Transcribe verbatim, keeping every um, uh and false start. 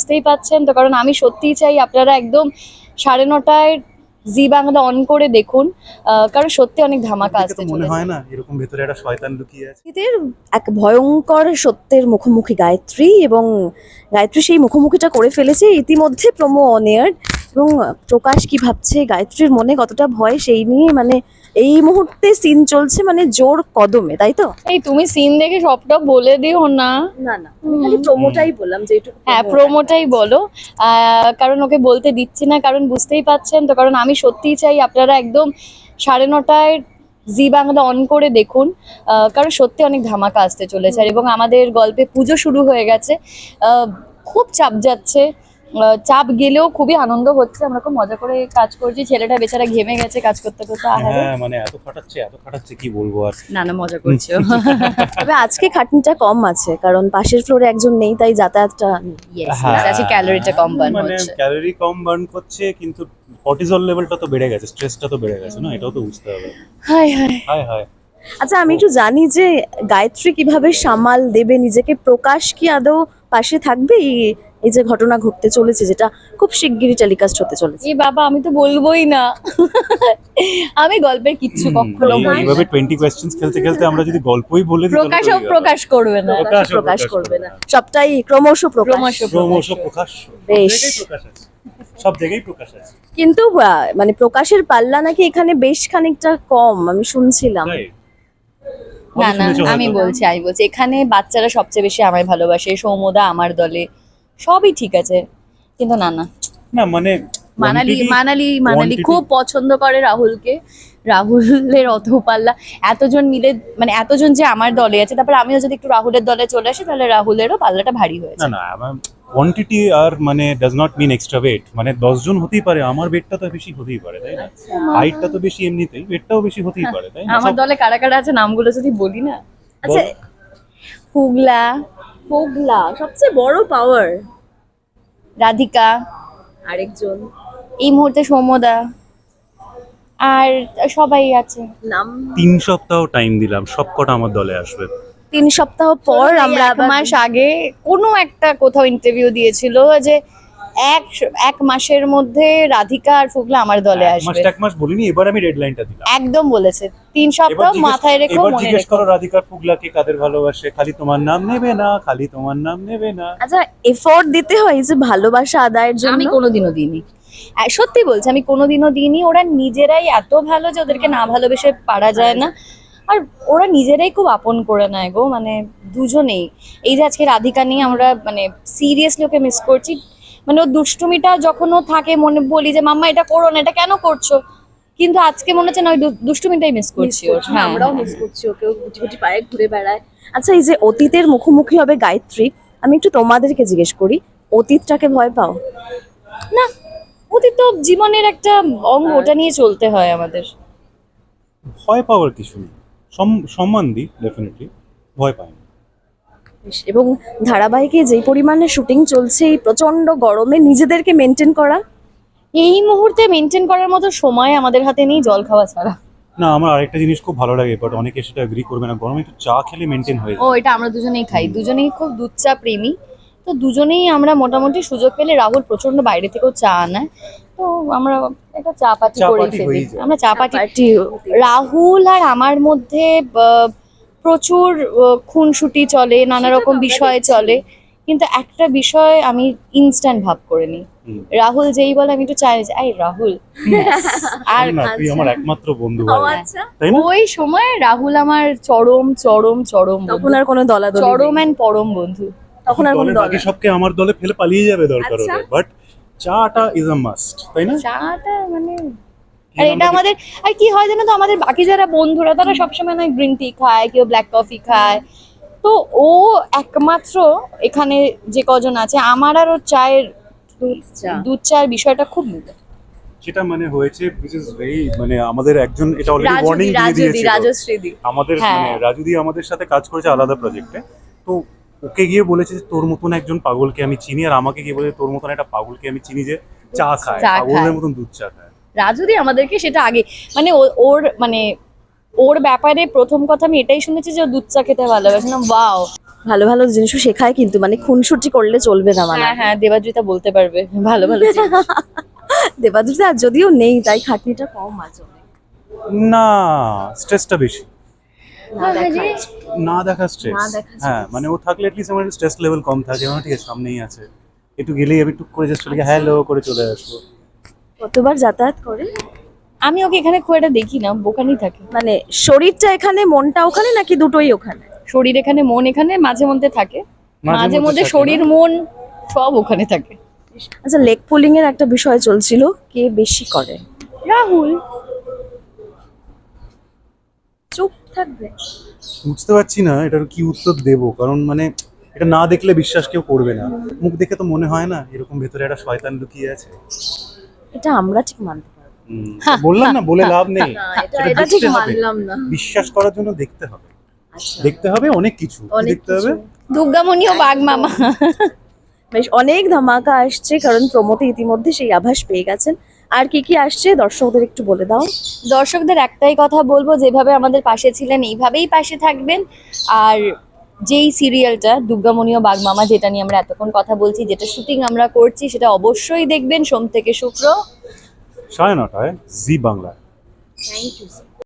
বুঝতেই পাচ্ছেন তো, কারণ আমি সত্যিই চাই আপনারা একদম সাড়ে নটায় জি বাংলা অন করে দেখুন, আহ, কারণ সত্যি অনেক ধামাকা দেখে আসতে তো মনে চলেছে। হয় না এরকম ভেতরে একটা শয়তান লুকিয়ে আছে? এদের এক ভয়ঙ্কর সত্যের মুখোমুখি গায়ত্রী, এবং গায়ত্রী সেই মুখোমুখিটা করে ফেলেছে ইতিমধ্যে প্রোমো অন এয়ার। এবং প্রকাশ কি ভাবছে, গায়ত্রীর মনে কতটা ভয়, সেই নিয়ে মানে এই মুহূর্তে সিন চলছে মানে জোর কদমে, তাই তো? এই তুমি সিন দেখে সবটা বলে দিও না। না না, আমি খালি প্রোমোটাই বললাম যে একটু হ্যাঁ, প্রোমোটাই বলো, আহ, কারণ ওকে বলতে দিচ্ছি না, কারণ বুঝতেই পাচ্ছেন তো, কারণ আমি সত্যিই চাই আপনারা একদম সাড়ে নটায় জি বাংলা অন করে দেখুন, আহ, কারণ সত্যি অনেক ধামাকা আসতে চলেছে। আর এবং আমাদের গল্পে পুজো শুরু হয়ে গেছে, আহ, খুব চাপ যাচ্ছে, আহ, চাপ গেলেও খুবই আনন্দ হচ্ছে, আমরা খুব মজা করে কাজ করছি। ছেলেটা বেচারা ঘেমে গেছে কাজ করতে করতে, আহারে। হ্যাঁ মানে এত খাটাচ্ছে এত খাটাচ্ছে কি বলবো আর। না না, মজা করছো। তবে আজকে খাটনিটা কম আছে, কারণ পাশের ফ্লোরে একজন নেই, তাই যাতায়াতটা নেই। ইয়েস, হ্যাঁ, আজকে ক্যালোরিটা কম বার্ন মানে হচ্ছে। ক্যালোরি কম বার্ন করছে, কিন্তু কর্টিজল লেভেলটা তো বেড়ে গেছে, স্ট্রেসটা তো বেড়ে গেছে না, এটাও তো বুঝতে হবে। হায় হায়। হায় হায়। আচ্ছা, আমি একটু জানি যে গায়ত্রী কিভাবে সামাল দেবে নিজেকে, প্রকাশ কি আদৌ পাশে থাকবে এই- এই যে ঘটনা ঘটতে চলেছে, যেটা খুব শিগগিরই টেলিকাস্ট হতে চলেছে? এ বাবা, আমি তো বলবোই না। আমি গল্পের কিচ্ছু হুম, কখনো এই- বলি না। এইভাবে টোয়েন্টি কোয়েশ্চেন্স খেলতে খেলতে আমরা যদি গল্পই বলে দিই তাহলে তো প্রকাশও হয়ে গেল। প্রকাশ করবে না। প্রকাশ প্রকাশ প্রকাশ করবে না, সবটাই ক্রমশ প্রকাশ। ক্রমশ ক্রমশ প্রকাশ, সব বেশ। জায়গায় প্রকাশ আছে, সব জায়গায় প্রকাশ আছে। কিন্তু আহ, মানে প্রকাশের পাল্লা নাকি এখানে বেশ খানিকটা কম, আমি শুনছিলাম। তাই? না হয়তো না, শুনেছো আমি হয়তো। বলছি আমি বলছি এখানে বাচ্চারা সবচেয়ে বেশি আমায় ভালোবাসে, সৌমদা আমার দলে, সবই ঠিক আছে, কিন্তু না না, না মানে মানালি quantity- মানালি মানালি quantity- খুব পছন্দ করে রাহুলকে। রাহুলের অত পাল্লা, এতজন মিলে, মানে এতজন যে আমার দলে আছে, তারপর আমিও যদি একটু রাহুলের দলে চলে আসি তাহলে রাহুলেরও পাল্লাটা ভারী না হয়েছে। না কোয়ান্টিটি আর মানে does not mean extra weight, মানে দশ জন হতেই পারে, আমার ওয়েটটা তো বেশি হতেই পারে, তাই না? হাইটটা তো বেশি, এমনিতেই ওয়েটটাও বেশি হতেই পারে, তাই না? আমার সব- দলে কারা কারা আছে নামগুলো যদি বলি না। আচ্ছা, বল। হুগলা, হোগলা সবচেয়ে বড় পাওয়ার, রাধিকা, আরেকজন এই মুহূর্তে সৌমদা, আর সবাই আছে। নাম। তিন সপ্তাহ টাইম দিলাম, সব কটা আমার দলে আসবে। তিন সপ্তাহ পর আমরা এক আবার মাস আগে কোনো একটা কোথাও ইন্টারভিউ দিয়েছিল যে এক এক মাসের মধ্যে রাধিকা আর ফুগলা আমার দলে এক আসবে, মাসটা এক মাস বলিনি, এবার আমি ডেডলাইনটা দিলাম। একদম বলেছে। তিন এবার সপ্তাহ জিজ্ঞেস- মাথায় রেখো, এবার মনে জিজ্ঞেস রেখো। করো রাধিকা পুগলাকে কাদের ভালোবাসে, খালি তোমার নাম নেবে না, খালি তোমার নাম নেবে না। আচ্ছা, এফোর্ট দিতে হয় যে ভালোবাসা আদায়ের জন্য। আমি কোনোদিনও দিইনি, আহ, সত্যি বলছি, আমি কোনোদিনও দিইনি। ওরা নিজেরাই এত ভালো যে ওদেরকে না ভালোবেসে পারা যায় না। আর ওরা নিজেরাই খুব আপন করে নেয় গো, মানে দুজনেই। এই যে আজকে রাধিকা নিয়ে আমরা মানে সিরিয়াসলি ওকে মিস করছি, মানে ওর দুষ্টুমিটা যখন ও থাকে মনে বলি যে মাম্মা এটা করো না, এটা কেন করছো, কিন্তু আজকে মনে হচ্ছে না ওই দু- দুষ্টুমিটাই মিস করছি ওর। হ্যাঁ, আমরাও হ্যাঁ। মিস করছি ওকে, ও গুটি গুটি পায়ে ঘুরে বেড়ায়। আচ্ছা, এই যে অতীতের মুখোমুখি হবে গায়ত্রী, আমি একটু তোমাদেরকে জিজ্ঞেস করি, অতীতটাকে ভয় পাও? না, ওদের তো জীবনের একটা অঙ্গ, ওটা নিয়ে চলতে হয় আমাদের। ভয় পাওয়ার কিছু নেই, সম- সম্মান দিই ডেফিনেটলি, ভয় পাই না। বেশ, এবং ধারাবাহিকে যেই পরিমাণে শুটিং চলছে, এই প্রচন্ড গরমে নিজেদেরকে মেনটেন করা। এই মুহূর্তে মেনটেন করার মতো সময় আমাদের হাতে নেই, জল খাওয়া ছাড়া। না আমার আরেকটা জিনিস খুব ভালো লাগে, বাট অনেকে সেটা এগ্রি করবে না, গরমে একটু চা খেলে মেনটেন হয়ে ও, যায়। এটা আমরা দুজনেই খাই, দুজনেই খুব দুধ চা প্রেমী। তো দুজনেই আমরা মোটামুটি সুযোগ পেলে, রাহুল প্রচন্ড বাইরে থেকেও চা আনায়, তো আমরা একটা চা পাটি চা করেই পাটি ফেলি। হয়েই যায়। আমরা চা পাটি, পার্টি রাহুল আর আমার মধ্যে আহ, প্রচুর আহ, খুনসুটি চলে, নানা রকম বিষয় চলে, কিন্তু একটা বিষয় আমি ইনস্ট্যান্ট ভাব করে নিই। হুম। রাহুল যেই বলে আমি একটু চাই, আই রাহুল, আর না তুই আমার একমাত্র বন্ধু ও ভাই, আচ্ছা, তাই না? ওই সময় রাহুল আমার চরম চরম চরম তখন বন্ধু। আর কোনো দলাদলি চরম নেই। অ্যান্ড পরম বন্ধু। তখন আর কোনো দলের দল বাকি সবকে আমার দলে ফেলে পালিয়ে যাবে দরকার আচ্ছা। হলে, বাট চাটা ইজ আ মাস্ট, তাই না? চাটা মানে, কি আর আমরা এটা আমাদের, আর কি হয় জানো তো, আমাদের বাকি যারা বন্ধুরা তারা সবসময় নয় গ্রিন টি খায়, কেউ ব্ল্যাক কফি খায়, তো ও একমাত্র এখানে যে কজন আছে আমার আর ওর চায়ের দুধ চা। দুধ চায়ের বিষয়টা খুব মিলে। যেটা মানে হয়েছে which is very মানে আমাদের একজন এটা অলরেডি ওয়ার্নিং রাজুদি দিয়ে রাজুদি দিয়েছিল রাজশ্রীদি, আমাদের, হ্যাঁ। মানে রাজুদি আমাদের সাথে কাজ করেছে আলাদা প্রজেক্টে, তো ওকে গিয়ে বলেছে যে তোর মতন একজন পাগলকে আমি চিনি, আর আমাকে গিয়ে বলেছে তোর মতন একটা পাগলকে আমি চিনি যে চা খায়, চা পাগলের খায়। মতন দুধ চা খায়। রাজুদি আমাদেরকে সেটা আগে, মানে ও- ওর মানে ওর ব্যাপারে প্রথম কথা আমি এটাই শুনেছি যে ও দুধ চা খেতে ভালোবাসে না। ওয়াও। ভালো ভালো জিনিসও শেখায় কিন্তু, মানে খুনসুটি করলে চলবে না মানে। হ্যাঁ হ্যাঁ, দেবাদ্রিতা বলতে পারবে ভালো ভালো জিনিস। দেবাদ্রিতা আর যদিও নেই তাই খাটনিটা কম আছে অনেক। না, স্ট্রেসটা বেশি। না দেখা না দেখা স্ট্রেস। না দেখা হ্যাঁ stress। মানে ও থাকলে অ্যাটলিস্ট আমার স্ট্রেস লেভেল কম থাকে, আমার ঠিক আছে সামনেই আছে, একটু গেলেই আমি টুক করে জাস্ট চলে গিয়ে হ্যালো করে চলে আসবো। কতবার যাতায়াত করে? আমি ওকে এখানে খুব একটা দেখি না, ওখানেই থাকে। মানে শরীরটা এখানে মনটা ওখানে নাকি দুটোই ওখানে? শরীর এখানে, মন এখানে, মাঝে মধ্যে থাকে। মাঝে মধ্যে থাকে শরীর না? মন সব ওখানে থাকে। আচ্ছা, লেগ পুলিং এর একটা বিষয় চলছিল, কে বেশি করে? রাহুল। চুপ থাকবে? বুঝতে পারছি না এটার কি উত্তর দেব, কারণ মানে এটা না দেখলে বিশ্বাস কেউ করবে না। মুখ দেখে তো মনে হয় না এরকম ভেতরে একটা শয়তান লুকিয়ে আছে। এটা আমরা ঠিক মানতে পারবো হুম, বললাম না, বলে লাভ নেই। না, এটা সেটা এটা ঠিক দেখতে হবে। মানলাম না। বিশ্বাস করার জন্য দেখতে হবে, আচ্ছা, দেখতে হবে অনেক কিছু। কি অনেক দেখতে হবে? কিছু। দুর্গামণি ও বাঘ মামা। বেশ অনেক ধামাকা আসছে, কারণ প্রমোতে ইতিমধ্যে সেই আভাস পেয়ে গেছেন। আর কি কি আসছে দর্শকদের একটু বলে দাও। দর্শকদের একটাই কথা বলবো, যেভাবে আমাদের পাশে ছিলেন এইভাবেই পাশে থাকবেন। আর যেই সিরিয়ালটা দুর্গামণি ও বাঘ মামা, যেটা নিয়ে আমরা এতক্ষণ কথা বলছি, যেটা শুটিং আমরা করছি, সেটা অবশ্যই দেখবেন সোম থেকে শুক্র। সাড়ে নটায় জি বাংলা। Thank you.